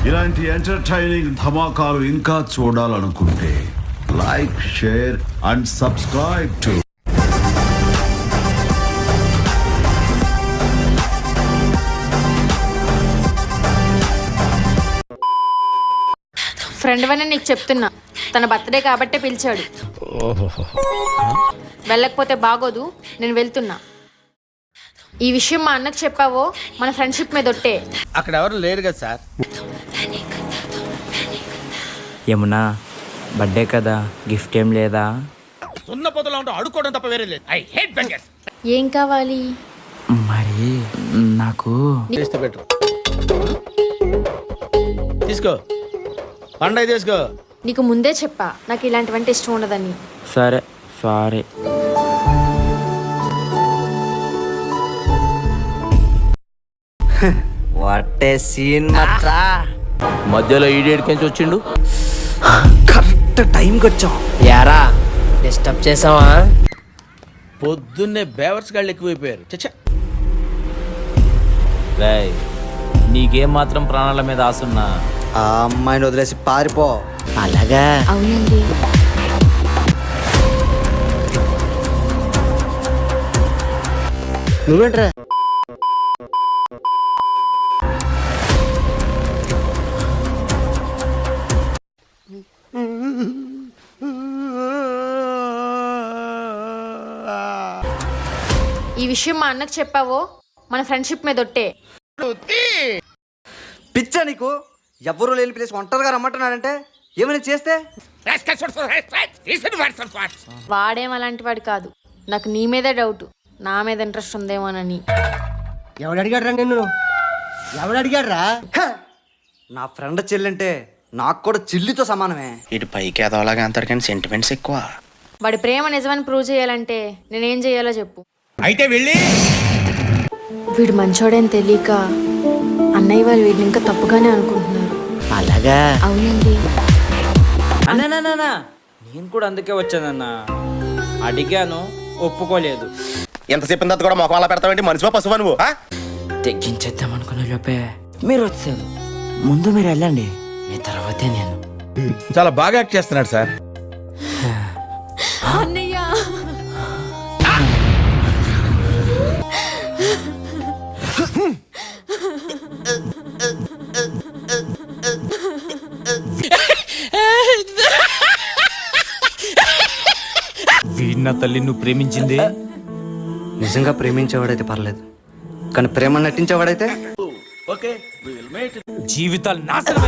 ఇలాంటి ఎంటర్టైనింగ్ ధమాకాలు ఇంకా చూడాలనుకుంటే like, share and subscribe to friend వని నీకు చెప్తున్నా, తన బర్త్డే కాబట్టే పిలిచాడు. వెళ్ళకపోతే బాగోదు, నేను వెళ్తున్నా. ఈ విషయం మా అన్నకు చెప్పావో మన ఫ్రెండ్షిప్ మీద ఒట్టే. అక్కడ ఎవరు లేరు కదా సార్. యమునా, బర్త్డే కదా, గిఫ్ట్ ఏం లేదా? సున్న పొదలో ఉంటూ అడుక్కోవడం తప్ప వేరే లేదు. I hate beggars. ఏం కావాలి? మరి నాకు చేస్తే పెట్టు. తీసుకో, పండగ తీసుకో. నీకు ముందే చెప్పా నాకు ఇలాంటివంటే ఇష్టం ఉండదని. సరే, సారీ. వాట్ ఏ సీన్ మచ్చా. మధ్యలో ఈడేడికించి వచ్చిండు. కరెక్ట్ టైంకి వచ్చాం. యారా డిస్టర్బ్ చేసావా? పొద్దున్నే బేవర్స్ గాళ్ళు ఎక్కువైపోయారు. చచ్చా, రేయ్, నీకేం మాత్రం ప్రాణాల మీద ఆసున్నా ఆ అమ్మాయిని వదిలేసి పారిపో. అలాగా? అవునండి. నువ్వేంట్రా? ఈ విషయం మా అన్నకు చెప్పావో మన ఫ్రెండ్షిప్ మీద ఒట్టే. పిచ్చా నీకు? ఎవ్వరూ లేని ప్లేస్ ఒంటరిగా రమ్మంటున్నాడంటే ఏమైనా చేస్తే? వాడేం అలాంటి వాడు కాదు. నాకు నీ మీదే డౌట్, నా మీద ఇంట్రెస్ట్ ఉందేమోనని. ఎవడు అడిగాడు రా నిన్ను? ఎవడు అడిగాడు రా? నా ఫ్రెండ్ చెల్లంటే నాకు కూడా చిల్లితో సమానమే. ఇటు పైకి ఎదవలాగా అంటారు కానీ సెంటిమెంట్స్ ఎక్కువ. వాడి ప్రేమ నిజమని ప్రూవ్ చేయాలంటే నేనేం చేయాలో చెప్పు. అయితే వెళ్ళి వీడు మంచోడని తెలియక అన్నయ్య వాళ్ళు వీడిని ఇంకా తప్పుగానే అనుకుంటున్నారు. అలాగా? అవునండి. అన్నా, నేను కూడా అందుకే వచ్చానన్నా. అడిగాను, ఒప్పుకోలేదు. ఎంత చెప్పిన తర్వాత కూడా మొఖం అలా పెడతావేంటి? మనిషివా పశువా నువ్వు? తెగ్గించేద్దాం అనుకున్న లోపే మీరు వచ్చారు. ముందు మీరు వెళ్ళండి, మీ తర్వాతే నేను. చాలా బాగా యాక్ట్ చేస్తున్నాడు సార్. అన్నయ్య, వీడిన తల్లి నువ్వు ప్రేమించింది నిజంగా ప్రేమించేవాడైతే పర్లేదు, కానీ ప్రేమ నటించేవాడైతే జీవితాలు నాశనం.